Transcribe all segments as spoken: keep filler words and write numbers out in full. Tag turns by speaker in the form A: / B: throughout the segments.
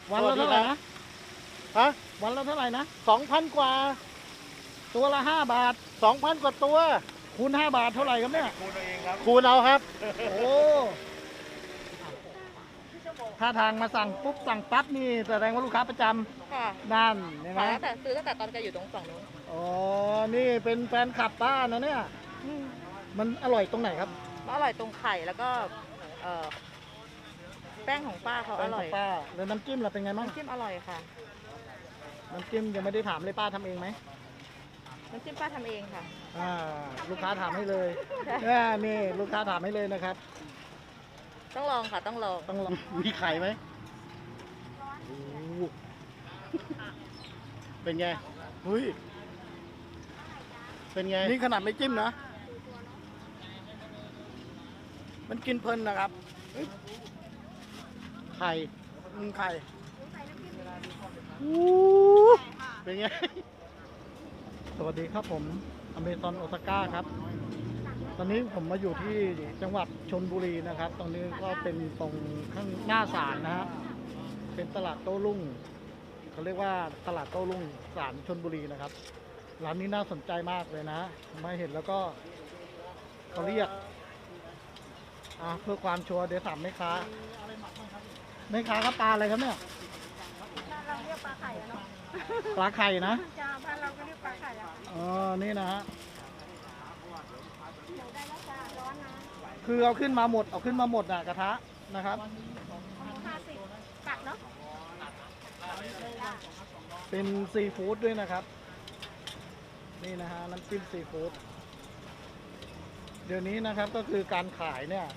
A: วันละเท่าไหร่นะ
B: ฮะ
A: วันละเท่าไหร่นะ
B: สองพันกว่า
A: ตัวละห้าบาท
B: สองพันกว่าตัว
A: คูณห้าบาทเท่าไหร่ครับเนี่ย
B: คูณเอาเองครับคูณเอาครับ
A: โอ้ถ้าทางมาสั่งปุ๊บสั่งปั๊บนี่แสดงว่าลูกค้าประจำ
C: ค่ะ
A: นั่นใช่ไหม
C: ขายตั้งแต่ซื้อตั้งแต่ตอนแกอยู่ตรงฝั่งนู้น
A: อ๋อนี่เป็นแฟนคลับป้านะเนี่ยมันอร่อยตรงไหนครับ
C: มันอร่อยตรงไข่แล้วก็เอ่อแป้งของป้าเขาอร่อย
A: ป้าแล้วน้ำจิ้มเราเป็นไงบ้าง
C: น้ำจิ้มอร่อยค่ะ
A: น้ำจิ้มยังไม่ได้ถามเลยป้าทำเองไหม
C: น้ำจิ้มป้าทำเองค่ะ
A: อ่าลูกค้าถามให้เลยนี่ลูกค้าถามให้เลยนะครับ
C: ต้องลองค่ะต้องลอง
A: ต้องลอง
B: มีไข่ไหมเป็นไงเฮ้ยเป็นไง
A: นี่ขนาดไม่จิ้มนะมันกินเพลินนะครับ
B: ไข่
A: ไข่
B: เป็นไง
A: สวัสดีครับผมอเมซอนโอซาก้าครับตอนนี้ผมมาอยู่ที่จังหวัดชลบุรีนะครับตรงนี้ก็เป็นตรงข้างหน้าศาลนะฮะเป็นตลาดโต้รุ่งเขาเรียกว่าตลาดโต้รุ่งศาลชลบุรีนะครับร้านนี้น่าสนใจมากเลยนะมาเห็นแล้วก็เขาเรียกอ่ะเพื่อความชัวร์เดี๋ยวถามแม่ค้าแม่ค้าครับปลาอะไรครับเนี่ย
D: เราเรียกปลาไข่เนาะ
A: ปลาไข่นะ
D: จ้าบ้านเราก็เรียกปลาไข่อะ
A: อ๋อนี่นะฮะ
D: ได้แล้วจ้าร้อนนะ
A: คือเอาขึ้นมาหมดเอาขึ้นมาหมดอ่ะกระทะนะครับ
D: ห้าสิบกัดเนาะ
A: เป็นซีฟู้ดด้วยนะครับนี่นะฮะน้ำจิ้มซีฟู้ดเดี๋ยวนี้นะครับก็คือการขายเนี่ย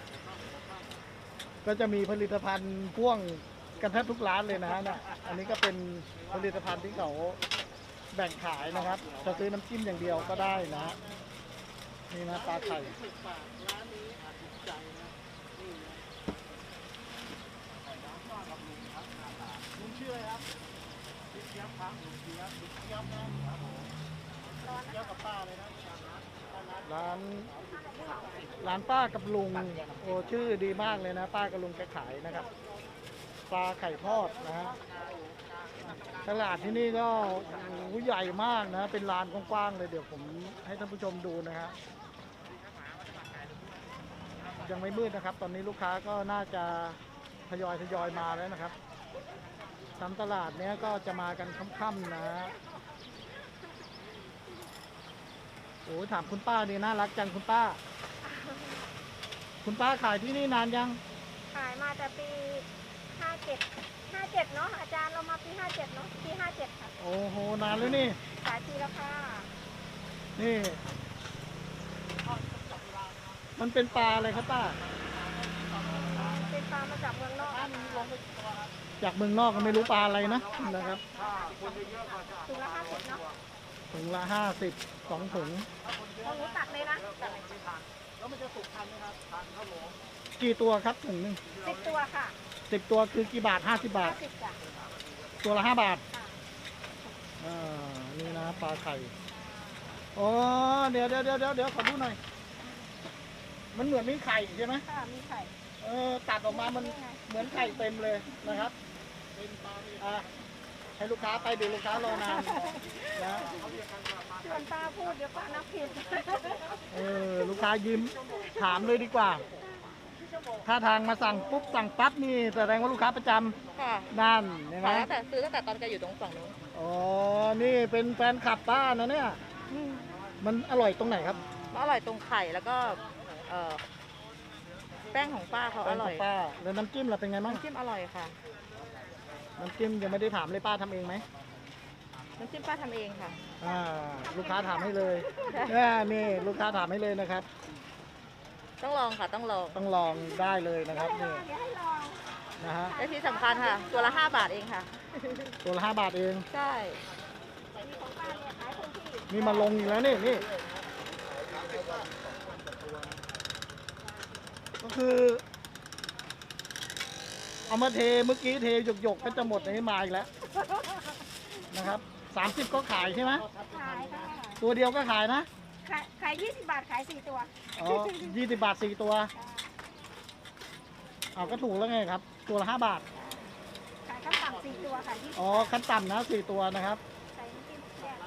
A: ก็จะมีผลิตภัณฑ์พ่วงกันแทบทุกร้านเลยนะฮะเนี่ยอันนี้ก็เป็นผลิตภัณฑ์ที่เขาแบ่งขายนะครับจะซื้อน้ำจิ้มอย่างเดียวก็ได้นะนี่นะปลาไข่ลุงชื่ออะไรครับพี่เจี๊ยบครับลุงเจี๊ยบลุงเจี๊ยบนะครับผมเจี๊ยบกับป้าเลยนะร้านร้านป้ากับลุงโอ้ชื่อดีมากเลยนะป้ากับลุงแกขายนะครับปลาไข่ทอดนะฮะตลาดที่นี่ก็ใหญ่มากนะเป็นลานกว้างๆเลยเดี๋ยวผมให้ท่านผู้ชมดูนะฮะยังไม่มืดนะครับตอนนี้ลูกค้าก็น่าจะทยอยทยอยมาแล้วนะครับตามตลาดเนี้ยก็จะมากันค่ำๆนะโอ้ถามคุณป้าดีน่ารักจังคุณป้าคุณป้าขายที่นี่นานยัง
D: ขายมาแต่ปีห้าเจ็ดห้าเจ็ดเนาะอาจารย์เรามาปีห้าเจ็ดเนาะปีห้าเจ็ดค่ะ
A: โอ้โหนานแล้วนี่
D: ขายทีละค่ะ
A: นี่มันเป็นปลาอะไรครับป้า
D: เป็นปลามาจากเมืองนอก
A: จากเมืองนอกก็ไม่รู้ปลาอะไรนะนะครับ
D: ถุงละห้าสิบเนาะ
A: ถุงละห้าสิบสองถุง
D: ของหนูตัดเลยนะ
A: แล้วมันจะสุกทันไหมครับทันครับผมกี่ตัวครับถุงนึง
D: สิบตัวค่ะ
A: สิบตัวคือกี่บาทห้าสิบบาทตัวละห้าบาทอ่านี่นะปลาไข่อ๋อเดี๋ยวเดี๋ยวเดี๋ยวเดี๋ยวขอดูหน่อยมันเหมือนมีไข่ใช่ไหม
D: ค่ะมีไข่
A: เออตัดออกมามันเหมือนไข่เต็มเลยนะครับอ่าให้ลูกค้าไปเดี๋ยวลูกค้ารอนานนะ
D: ชวนป้าพูดเดี๋ยวป้านับผิด
A: เออลูกค้ายิ้มถามเลยดีกว่าถ้าทางมาสั่งปุ๊บสั่งปั๊บนี่แสดงว่าลูกค้าประจำ
C: ค่ะ
A: นั่นใช่ไหม
C: ขายตั้งแต่ซื้อตั้งแต่ตอนแกอยู่ตรงฝั่งนู้น
A: อ๋อนี่เป็นแฟนคลับป้านะเนี่ยมันอร่อยตรงไหนครับ
C: มันอร่อยตรงไข่แล้วก็เอ่อแป้งของป้าเขาอร่อย
A: ป้าแล้วน้ำจิ้มเราเป็นไงบ้าง
C: น้ำจิ้มอร่อยค่ะ
A: น้ำจิ้มยังไม่ได้ถามเลยป้าทำเองไหม
C: น้ำจิ้มป้าทำเองค่ะ
A: อ่าลูกค้าถามให้เลยนี่ลูกค้าถามให้เลยนะครับ
C: ต้องลองค่ะต้องลอง
A: ต้องลองได้เลยนะครับนี่นะฮะ
C: และที่สำคัญค่ะตัวละห้าบาทเองค่ะ
A: ตัวละห้าบาทเอง
C: ใช่
A: นี่มาลงอีกแล้วนี่นี่ก็คือเอามาเทเมื่อกี้เทหยกๆก็จะหมดในมาอีกแล้วนะครับสามสิบก็ขายใช่ไหม
D: ขายค่ะ
A: ตัวเดียวก็ขายนะ
D: ขายขายยี่สิบบาทขายสี่ตัว
A: อ๋อยี่สิบบาทสี่ตัวเอาก็ถูกแล้วไงครับตัวละห้าบาท
D: ขายข้าวตังสี่ตัวค่ะยี่สิบ
A: อ๋อขั้นต่ำนะสี่ตัวนะครับ
D: ใส่น้ำจิ้มแยก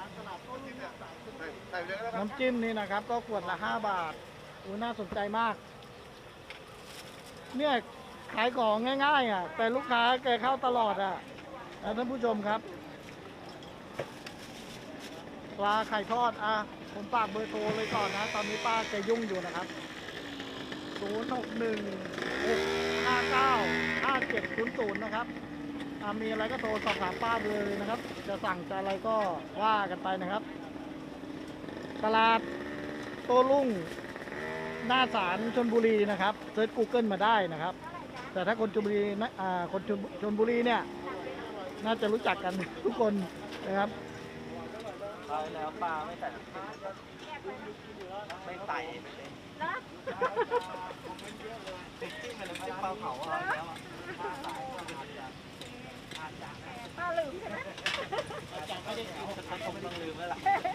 A: น้ำจิ้มนี่นะครับ ก็ขวดละห้าบาทอู้น่าสนใจมาก เนี่ยขายของง่ายๆอ่ะ แต่ลูกค้าแกเข้าตลอดอ่ะนะท่านผู้ชมครับปลาไข่ทอดอ่ะผมฝากเบอร์โทรเลยก่อนนะ ตอนนี้ป้าแกยุ่งอยู่นะครับศูนย์ หก หนึ่ง หก ห้า เก้า ห้า เจ็ด ศูนย์ ศูนย์ นะครับอ่ะมีอะไรก็โทรสอบถามป้าเลยนะครับ จะสั่งจะอะไรก็ว่ากันไปนะครับ ตลาดโต้รุ่งหน้าศาลชลบุรีนะครับเซิร์ช Google มาได้นะครับ แต่ถ้าคนชลบุรีนะอ่าคนชลชลบุรีเนี่ยน่าจะรู้จักกันทุกคนนะครับ
E: ปลาแล้วปลาไม่ใส่น้ำจิ้มไม่ใส่
D: เนาะ
E: จิ้มเป็นน้ำจิ้มปลาเผาอะไรแล้วอ่ะ
D: ป้าลืมใช่ไหม
E: ไม่ได้กินฉันคงไม่ต้องลืมแล้วล่ะ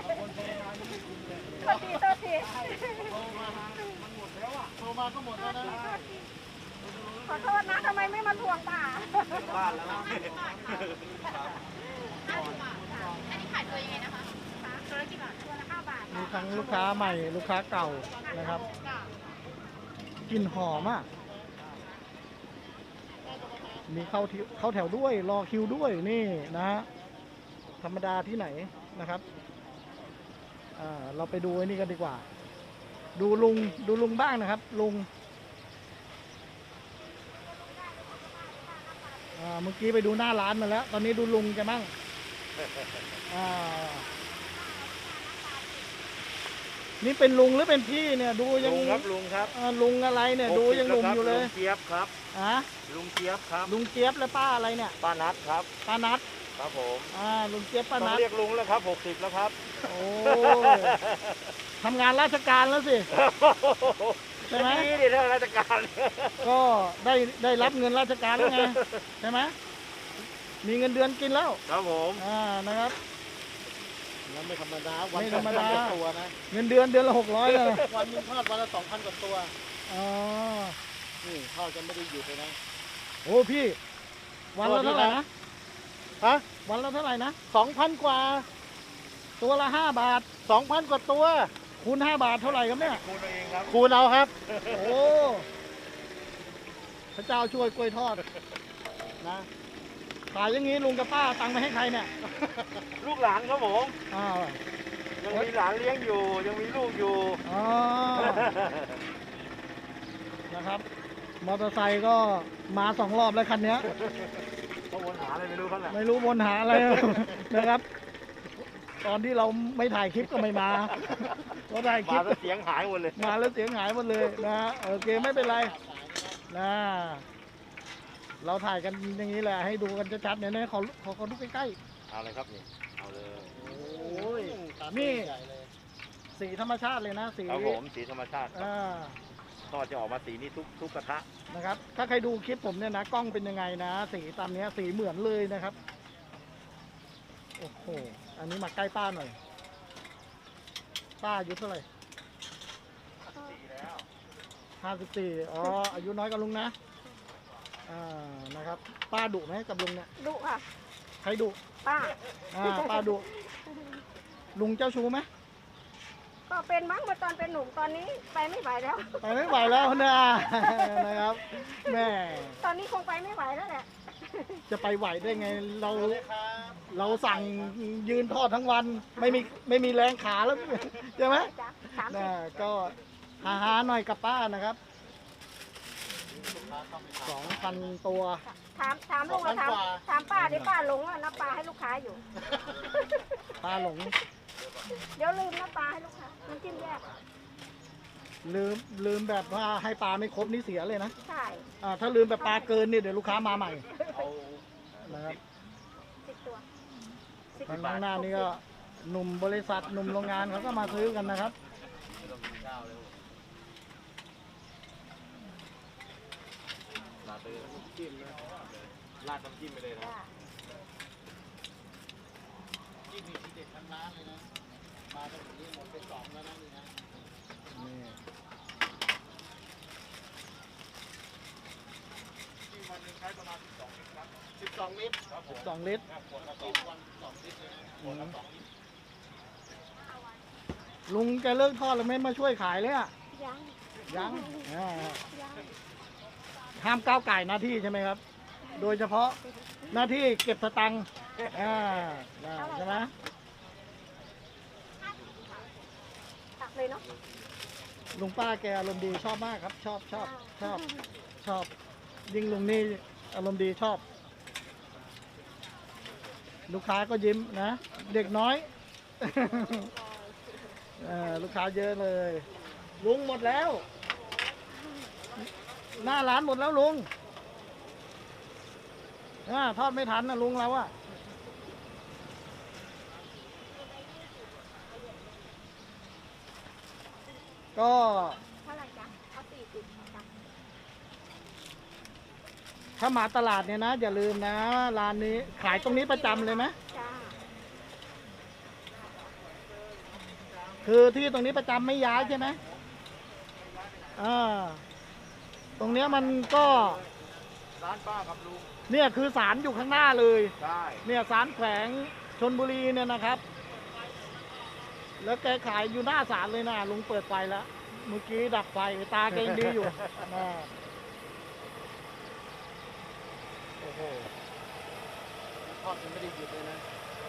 D: โทษทีโทษที
B: โทรมาก็หมดแล้วนะ
D: ขอโทษนะทำไมไม่มาทวงป่า
E: บ้านแล้ว
D: ตัวละกี่บาทตัวละห้าบาท
A: มีทั้งลูกค้าใหม่ลูกค้าเก่านะครับกลิ่นหอมอ่ะมีเข้าที่เข้าแถวด้วยรอคิวด้วยนี่นะฮะธรรมดาที่ไหนนะครับอ่าเราไปดูไอ้นี่กันดีกว่า ดูลุงดูลุงบ้างนะครับ ลุงอ่าเมื่อกี้ไปดูหน้าร้านมาแล้ว ตอนนี้ดูลุงกันบ้างอ่านี่เป็นลุงหรือเป็นพี่เนี่ย ดูยัง
E: ลุงครับลุงครับ
A: อ่าลุงอะไรเนี่ย ดูยังหนุ่มอยู่เลย
E: ลุงเจี๊ยบครับ
A: อ่ะ
E: ลุงเจี๊ยบครับ
A: ลุงเจี๊ยบและป้าอะไรเนี่ย
E: ป้านัทครับ
A: ป้านัท
E: ครับผม
A: อ่าลุงเจี๊ยบป้า
E: ต้อ
A: นั
E: ง
A: ท
E: เรียกลุงแล้วครับหกสิบแล้วครับ
A: โอ้ยทำงานราชการแล้วสิ ใช่ไหม
E: นี่ดิเรื่องราชการ
A: ก็ได้ได้รับเงินราชการแล้วไงใช่ไหมมีเงินเดือนกินแล้ว
E: ครับผม
A: อ่านะครับ
B: แล้วไม่ธรรมดาวัน
A: ไม่ธรรมดา
B: ละตัวนะ
A: เงินเดือนเดือนละหกร้อยเลย
B: วันหนึงทอดวันละสองพันกว่าตัว
A: อ๋อ
B: นี่ทอดกันไม่ได้หยุดเลยนะ
A: โอ้พี่ วันละเท่าไหร่นะ
B: ฮะ
A: วันละเท่าไหร่นะ
B: สองพันกว่า
A: ตัวละห้าบาท
B: สองพันกว่าตัว
A: คูณห้าบาทเท่าไหร่ครับเนี่ย
E: คูณเอาเองครับ
B: คูณเอาครับ
A: โอ้พระเจ้าช่วยกล้วยทอดนะขายอย่างนี้ลุงกับป้าเอาตังค์ไปให้ใครเนี่ย
E: ลูกหลานครับผม
A: อ้าว
E: ยังมีหลานเลี้ยงอยู่ ยังมีลูกอยู่
A: อ๋อนะครับ มอเตอร์ไซค์ก็มาสองรอบแล้วคันเนี้ย
E: เขาวนหาอะไรไม่รู้เขาแหละ
A: ไม่รู้วนหาอะไร นะครับ ตอนที่เราไม่ถ่ายคลิปก็ไม่มาพอถ่ายคลิ
E: มา
A: ป
E: แล้วเสียงหายหมดเลย
A: มาแล้วเสียงหายหมดเลยนะโอเคไม่เป็นไรนะเราถ่ายกันอย่างนี้แหละให้ดูกันชัดๆเนี่ยนะขอขอขอดูใกล้
E: เอาเลยครับนี่ เอาเลย
A: ๆโอ้ยนี่สีธรรมชาติเลยนะสี
E: ครับผมสีธรรมชาติครับ
A: อ่า
E: ทอดจะออกมาสีนี้ทุกทุกกระทะ
A: นะครับ ถ้าใครดูคลิปผมเนี่ยนะกล้องเป็นยังไงนะ สีตามเนี้ยสีเหมือนเลยนะครับโอ้โหอันนี้มาใกล้ป้าหน่อย ป้าอายุเท่าไหร่ห้าสิบสี่อ๋ออายุน้อยกว่าลุงนะอ่านะครับ ป้าดุไหมกับลุงเนี่ย
D: ดุค่ะ
A: ใครดุ
D: ป้า
A: อ่าป้าดุลุงเจ้าชู้ไหม
D: ก็เป็นมั้งเมื่อตอนเป็นหนุ่มตอนนี้ไปไม่ไหวแล้ว
A: ไปไม่ไหวแล้วนะนะครับแม่
D: ตอนนี้คงไปไม่ไหวแล้วแหละ
A: จะไปไหวได้ไงเราเราสั่งยืนทอดทั้งวัน ไม่มีไม่มีแรงขาแล้วใช่ไหม
D: จ้ะสามสิ
A: นะ
D: บ
A: ก็หาหาหน่อยกับป้านะครับสองพันตัว
D: ถามถามลุงอะถามถามป้าดิป้าหลงอะนับปลาให้ลูกค้าอยู่
A: ป้าหลง
D: เดี๋ยวลืมนับปลาให้ลูกค้าน้ำจิ้มแยก
A: ลืมลืมแบบว่าให้ปลาไม่ครบนี่เสียเลยนะ
D: ใช่
A: อ่าถ้าลืมแบบปลาเกินเนี่ยเดี๋ยวลูกค้ามาใหม่
E: เอา
A: นะครับ
D: สิบตัวสิบ
A: ทางข้างหน้านี่ก็หนุ่มบริษัทหนุ่มโรงงานเขาก็มาซื้อกันนะครับ
E: ไม่ต้องกินข้าวเลยลาดไปเลยน้ำจิ้มนะลาดน้ำจิ้มไปเลยนะ
D: จ้ะ
B: ที่มีทีเด็ดทั้งร้านเลยนะ มาตรงนี้หมดไปสองแล้วนะนี่นะ
A: นี่
E: ที่วันหนึงใช้ประมาณสิบสองลิตรครับ
B: สิบสองลิตร
A: สิบสองลิตร
B: ขวดละสองวันสองลิตรเลยนะขวดละสองลิตร
A: ลุงแกเลิกทอดแล้วไม่มาช่วยขายเลยอ่ะ
D: ยัง
A: ยังอ่า
D: ยัง
A: ห้ามก้าวไก่หน้าที่ใช่ไหมครับ โดยเฉพาะหน้าที่เก็บสตังค์อ่าใช่ไหม
D: ตักเลยเนาะ
A: ลุงป้าแกอารมณ์ดีชอบมากครับ ชอบชอบชอบชอบ ยิ่งลุงนี่อารมณ์ดีชอบ ลูกค้าก็ยิ้มนะ เด็กน้อย เออลูกค้าเยอะเลย ลุงหมดแล้ว หน้าร้านหมดแล้วลุงอ่าทอดไม่ทันนะลุงเราอะก็
D: เท่าไหร่จ๊ะเอาสี่สิบจ้ะ
A: ถ้ามาตลาดเนี่ยนะ อย่าลืมนะ ร้านนี้ขายตรงนี้ประจำเลยไหม
D: จ้า
A: คือที่ตรงนี้ประจำไม่ย้ายใช่ไหมอ่าตรงเนี้ยมันก็
B: ร้านป้ากับลุง
A: เนี่ยคือศาลอยู่ข้างหน้าเลย
B: ใช่
A: เนี่ยศาลแขวงชลบุรีเนี่ยนะครับ แล้วแกขายอยู่หน้าศาลเลยนะลุงเปิดไฟแล้ว เมื่อกี้ดับไฟตาแกยังดีอยู่อ่าโอ้โห
B: ทอดมันไม่ได้หยุดเลยนะ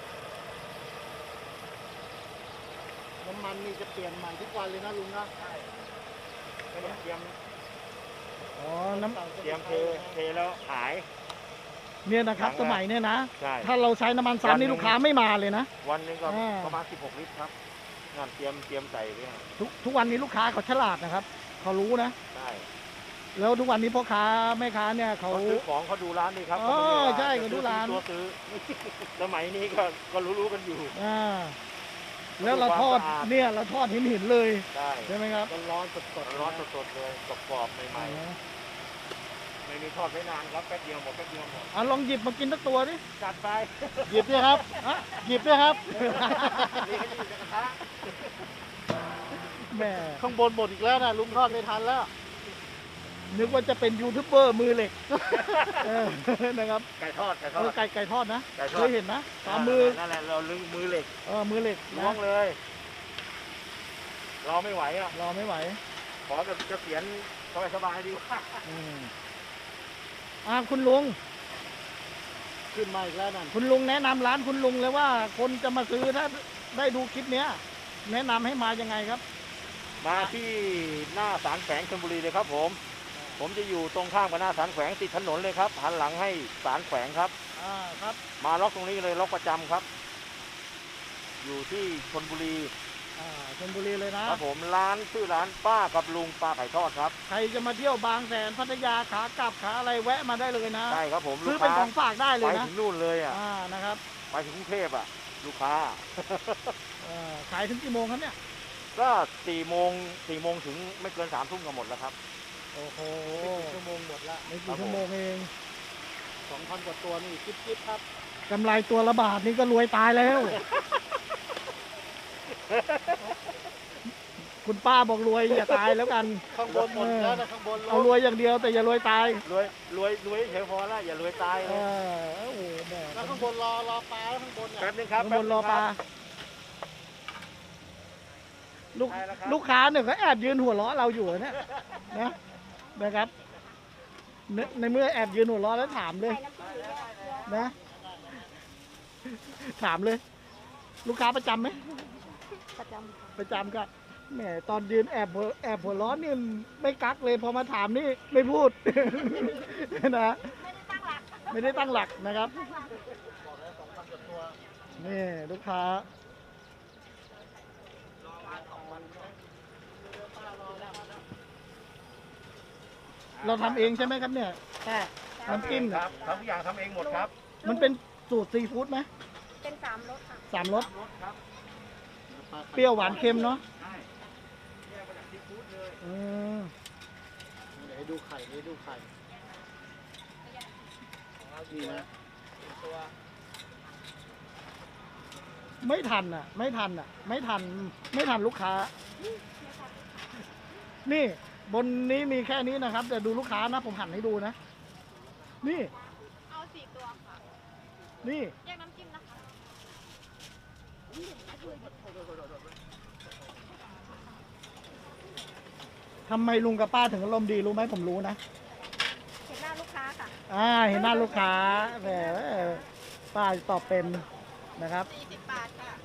B: น้ำมันนี่จะเปลี่ยนใหม่ทุกวันเลยนะลุงนะใช่ก็ต้องเตรียม
A: อ๋อน้ำ
B: เตรียมเทเทแล้วขาย
A: เนี่ยนะครับ
B: ถังละ
A: สมัยเนี่ยนะ
B: ใช่
A: ถ้าเราใช้น้ำมันซ้ำนี่ลูกค้าไม่มาเลยนะ
B: วันหนึงก็
A: อ่า
B: ประมาณสิบหกลิตรครับงานเตรียมเตรียมใส่เนี่ย
A: ทุกทุกวันนี้ลูกค้าเขาฉลาดนะครับ เขารู้นะ
B: ใช่
A: แล้วทุกวันนี้พ่อค้าแม่ค้าเนี่ยเขา
B: เขาซื้อของเขาดูร้านนี่ครับ
A: อ๋อ
B: เขาไม่ได้ว่า
A: ใช่
B: จะ
A: เขาดูร้าน
B: ตัวซื้อ สมัยนี้ก็ก็รู้ๆกันอยู่
A: อ่าแล้วเราทอด
B: ความสะอาด
A: เนี่ยเราทอดหินหินๆเลย
B: ใช่
A: ใช่ไหมครับ
B: ร้อนสดๆร้อนสดๆเลยกรอบๆใหม่ๆไม่มีทอดไม่นานครับแป๊บเดียวหมดแป๊บเดียวหมด
A: อ่ะลองหยิบมากินสักตัวดิ
B: จัดไป
A: หยิบด้วยครับอ่ะหยิบด้วยครับ
B: นี่ก็อยู่ในกระทะ
A: แหม
B: ข้างบนหมดอีกแล้วนะลุงทอดไม่ทันแล้ว
A: นึกว่าจะเป็นยูทูบเบอร์มือเหล็กเออนะครับ
B: ไก่ทอดไก่ท
A: เอ
B: อ
A: อ
B: ด
A: ไก่ไก่ทอดนะ
B: ไก่ทอด
A: เคยเห็นนะตามมือ
B: นั่นแหละเราลึงมือเหล็ก
A: เออมือเหล็ก
B: ล้ว
A: นะ
B: งเลย เราไม่ไหวอ่ะ
A: รอไม่ไหว
B: ขอแบบจะเสียนสบายๆดีกว่า
A: อืมอ่าคุณลุง
B: ขึ้นมาอีกแล้วนั่น
A: คุณลุงแนะนำร้านคุณลุงเลยว่าคนจะมาซื้อถ้าได้ดูคลิปเนี้ย แนะนำให้มายังไงครับ
B: มาที่หน้าศาลแขวงชลบุรีเลยครับผม ผมจะอยู่ตรงข้ามกับหน้าศาลแขวงติดถนนเลยครับ หันหลังให้ศาลแขวงครับ
A: อ่าครับ
B: มาล็อกตรงนี้เลยล็อกประจำครับ อยู่ที่ชลบุรี
A: อ่าชลบุรีเลยนะครับ
B: ผมร้านชื่อร้านป้ากับลุงป้าไข่ทอดครับ
A: ใครจะมาเที่ยวบางแสนพัทยาขากลับขาอะไรแวะมาได้เลยนะ
B: ใช่ครับผม
A: ซื้
B: ลู
A: อก เป็น
B: ค้า
A: ของฝากได้เล
B: ไป
A: ยนะ
B: ถึงนู่นเลยอ่ะ
A: อ่านะครับ
B: ไปถึงกรุงเทพอ่ะ ลูกค้า
A: เอ่อขายถึงกี่โมงครับเนี่ย
B: ก็สี่โมงสี่โมงถึงไม่เกินสามทุ่มก็หมดแล้วครับ
A: โอ้โห
B: ชั่วโมงหมดละ
A: ไม่กี่ชั่วโมงเอง
B: สองพันกว่าตัวนี่จิ๊บจิ๊บครับ
A: กำไรตัวละบาทนี่ก็รวยตายแล้ว คุณป้าบอกรวยอย่าตายแล้วกัน
B: ข้างบนหมดแล้วนะข้างบน
A: เอารวยอย่างเดียวแต่อย่ารวยตาย
B: รวยรวยรวยเฉยพอแล้วอย่ารวยตาย
A: เอ
B: เลย
A: อโอ้โหแม่
B: แล้วข้างบนรอรอปลาแล้วข้างบนเนี่ยแป๊บนึงครับ
A: ข้างบนรอปลา
B: แป๊บนึงคบ
A: ลูก
B: ได้แล้วครับ
A: ลูกค้าเนี่ยเขาแอบยืนหัวเราะเราอยู่เนี่ยนะนะครับในในเมื่อแอบยืนหัวเราะแล้วถามเลย
D: ใส่น้ำจิ้มเนี่ยเกลือ
A: นะ ถามเลย ลูกค้าประจำไหม
D: ประจำค่ะ
A: ประจำก็แหมตอนยืนแอบหัวแอบหัวร้อนนี่ไม่กักเลยพอมาถามนี่ไม่พูด นะ
D: ไม่ได้ตั้งหลัก
A: ไม่ได้ตั้งหลักนะครับนี่ลูกค้า เราทำเองใช่ไหมครับเนี่ยแต่น้ำจิ้ม
B: ค
A: เนี่ย
B: รับทำทุกอย่างทำเองหมดครับ
A: มันเป็นสูตรซีฟู้ดไหม
D: เป็นสามรสค่ะ
A: สามรส
B: รสครับ
A: เปรี้ยวหวานเค็มเนาะ
B: ใช่แยกมาจากซีฟู้ดเลย
A: อืม
B: ไหนดูไข่นี่ดูไข่ดีนะ
A: ไม่ทันอ่ะ ไม่ทันอ่ะ ไม่ทัน ไม่ทันลูกค้า นี่บนนี้มีแค่นี้นะครับแต่ดูลูกค้านะ ผมหันให้ดูนะ นี่
D: เอาสี่ตัว
A: นี่
D: แยกน้ำจิ้มนะคะ
A: ทำไมลุงกับป้าถึงอารมณ์ดีรู้ไหมผมรู้นะ
D: เห็นหน้าลูกค้าค่ะ
A: อ่าเห็นหน้าลูกค้าแหมป้าตอบเป็นนะครับ
C: สี่สิบบาทค่ะ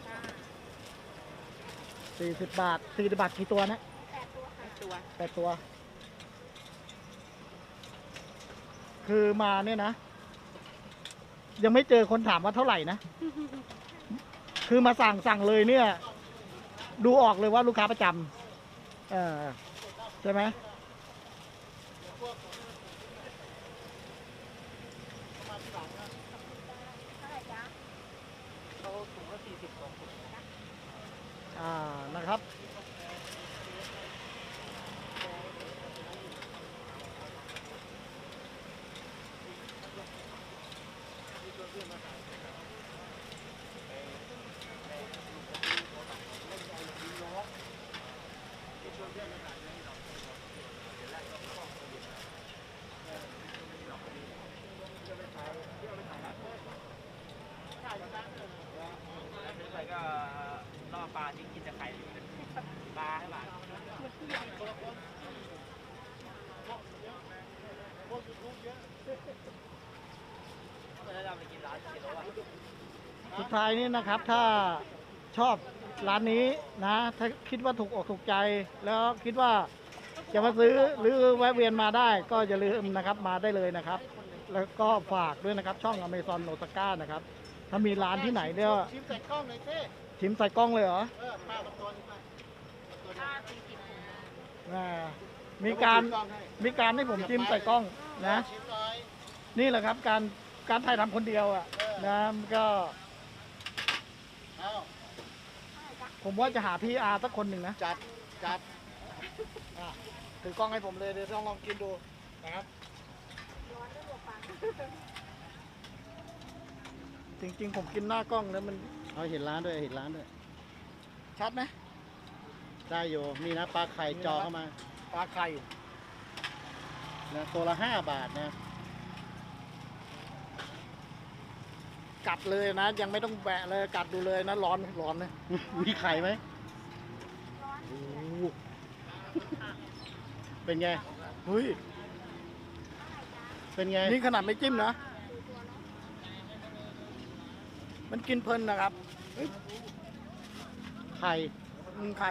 A: สี่สิบบาทสี่สิบบาทกี่ตัวนะ
D: แปดตัวค่ะ
C: ตัว
A: แปดตัว คือมาเนี่ยนะ ยังไม่เจอคนถามว่าเท่าไหร่นะ คือมาสั่งสั่งเลยเนี่ย ดูออกเลยว่าลูกค้าประจำเออใช่ไหม
D: เท่าไหร่จ๊ะ
E: เขาถุงละสี่สิบสองถุง
A: อ่านะครับ
E: ไปก็ล่อปลาที่กินจะไข่ปลาให้หลานก็จะไปกินร้านกินแล้วอ่ะ
A: สุดท้ายนี้นะครับ ถ้าชอบร้านนี้นะ ถ้าคิดว่าถูกอกถูกใจ แล้วคิดว่าจะมาซื้อหรือแวะเวียนมาได้ ก็อย่าลืมนะครับมาได้เลยนะครับ แล้วก็ฝากด้วยนะครับ ช่อง Amazon Osaka นะครับ ถ้ามีร้านที่ไหนเนี่ย
F: ชิมใส่กล้องหน่อยสิ
A: ชิมใส่กล้องเลยเหรอ
F: เออป้ากับตัวนี้ไป
A: อ่ามีการ
F: ชิมกล้องให้
A: มีการให้ผมชิมใส่กล้องนะ
F: ชิมหน่อย
A: นี่แหละครับการการถ่ายทำคนเดียวอ่ะนะมันก็
F: เอา
A: ผมว่าจะหาพีอาร์สักคนหนึ่งนะ
F: จัด จัด
A: อ่ะถือกล้องให้ผมเลยเดี๋ยวต้องลองกินดูนะครับ จริงๆ ผมกินหน้ากล้องแล้วมัน
F: เอาเห็นร้านด้วย เห็นร้านด้วย
A: ชัดไหม
F: ได้อยู่ นี่นะปลาไข่จอเข้ามา
A: ปลาไข่
F: นะตัวละห้าบาทนะ
A: กัดเลยนะ ยังไม่ต้องแบะเลยกัดดูเลยนะ ร้อนร้อนเลย
F: มีไข่ไหมโอ้โหเป็นไง
A: เฮ้ย
F: เป็นไง
A: นี่ขนาดไม่จิ้มนะ มันกินเพลินนะครับ
F: ไข่
A: อืมไข่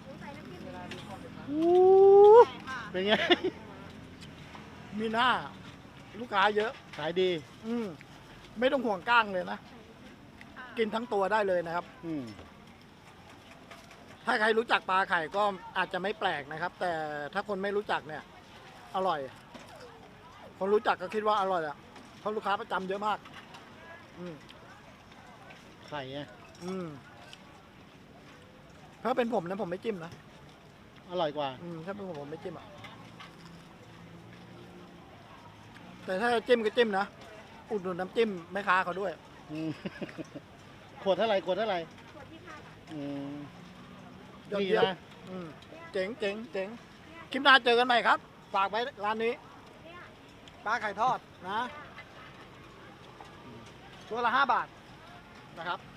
F: เป็นไง
A: มีหน้า ลูกค้าเยอะ
F: ขายดี
A: อืมไม่ต้องห่วงก้างเลยนะ กินทั้งตัวได้เลยนะครับ
F: อืม
A: ถ้าใครรู้จักปลาไข่ก็อาจจะไม่แปลกนะครับ แต่ถ้าคนไม่รู้จักเนี่ย อร่อย คนรู้จักก็คิดว่าอร่อยอ่ะเพราะลูกค้าประจำเยอะมาก อืม
F: ไข่ไง
A: อืมถ้าเป็นผมนะผมไม่จิ้มนะ
F: อร่อยกว่า
A: อืมถ้าเป็นผมผมไม่จิ้มอ่ะแต่ถ้าจิ้มก็จิ้มนะอุดหนุนน้ำจิ้มแม่ค้าเขาด้วย
F: อืม ขวดเท่าไหร่ขวดเท่าไหร่
D: ขวดที่ห้าบาท
F: อืม
A: ยอด
F: ดี
A: เยี่ยม
F: นะ
A: อืมเจ๋งเจ๋งเจ๋งคลิปหน้าเจอกันใหม่ครับ ฝากไว้ร้านนี้
D: เนี่ย
A: ปลาไข่ทอดนะ ตัวละห้าบาทนะครับ